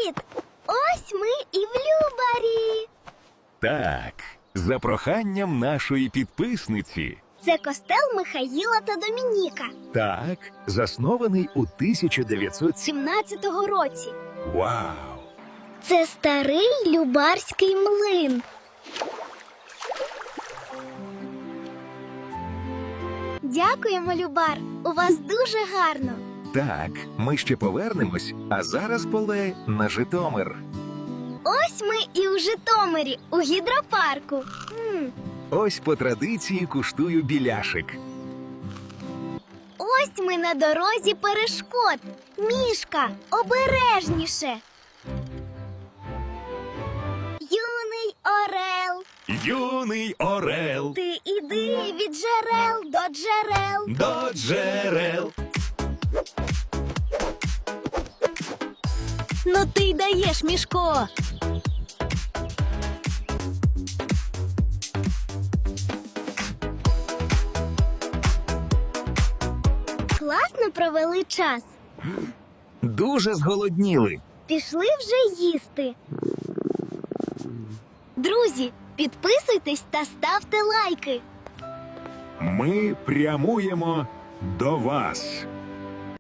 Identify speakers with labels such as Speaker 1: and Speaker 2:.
Speaker 1: Привіт! Ось ми і в Любарі.
Speaker 2: Так, за проханням нашої підписниці.
Speaker 1: Це костел Михаїла та Домініка.
Speaker 2: Так, заснований у 1917.
Speaker 1: 17-го році.
Speaker 2: Вау!
Speaker 1: Це старий Любарський млин. Дякуємо, Любар. У вас дуже гарно.
Speaker 2: Так, ми ще повернемось, а зараз поле на Житомир.
Speaker 1: Ось ми і у Житомирі, у гідропарку.
Speaker 2: Ось по традиції куштую біляшик.
Speaker 1: Ось ми на дорозі перешкод. Мішка, обережніше. Юний орел,
Speaker 2: Юний орел
Speaker 1: ти іди від джерел до джерел.
Speaker 2: до джерел.
Speaker 1: Ну ти й даєш, Мішко. Класно провели час.
Speaker 2: Дуже зголодніли.
Speaker 1: Пішли вже їсти. Друзі, підписуйтесь та ставте лайки.
Speaker 2: Ми прямуємо до вас.